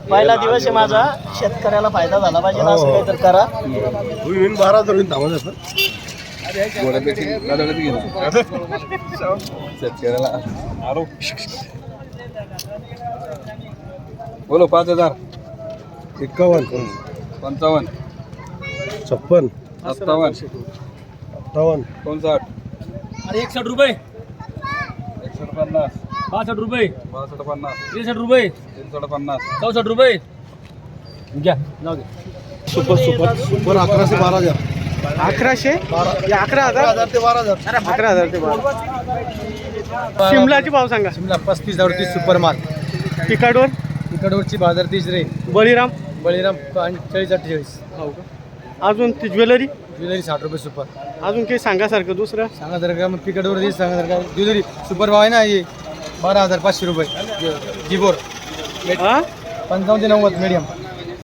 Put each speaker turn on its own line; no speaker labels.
पहिला दिवस आहे माझा, शेतकऱ्याला फायदा झाला पाहिजे ना, असं काहीतरी करा.
होईन 12 धरून थांबत असत.
बोलो 5000
51
55
56
57
58
59
अरे 61 रुपये,
150
62 रुपये,
62 50
63 रुपये,
350
64 रुपये घ्या. जाऊ दे.
सुपर सुपर सुपर 11 से 12,000.
1100 या 11,000
11,000 ते 12,000.
11,000 ते 12. शिमलाची भाव सांगा.
शिमला 35 38 सुपर माल.
तिकडवर
तिकडवरची बाजार 30 रे.
बळीराम
बळीराम 40 48.
हो का. अजून ती ज्वेलरी
ज्वेलरी 60 रुपये सुपर.
अजून काही सांगासारखं दुसरं.
सांगा जर का मग तिकडवर दिस सांगा जर का ज्वेलरी सुपर भाव आहे ना हे 12,500 रुपये. जिबोर
हा
55 ते 90 मीडियम.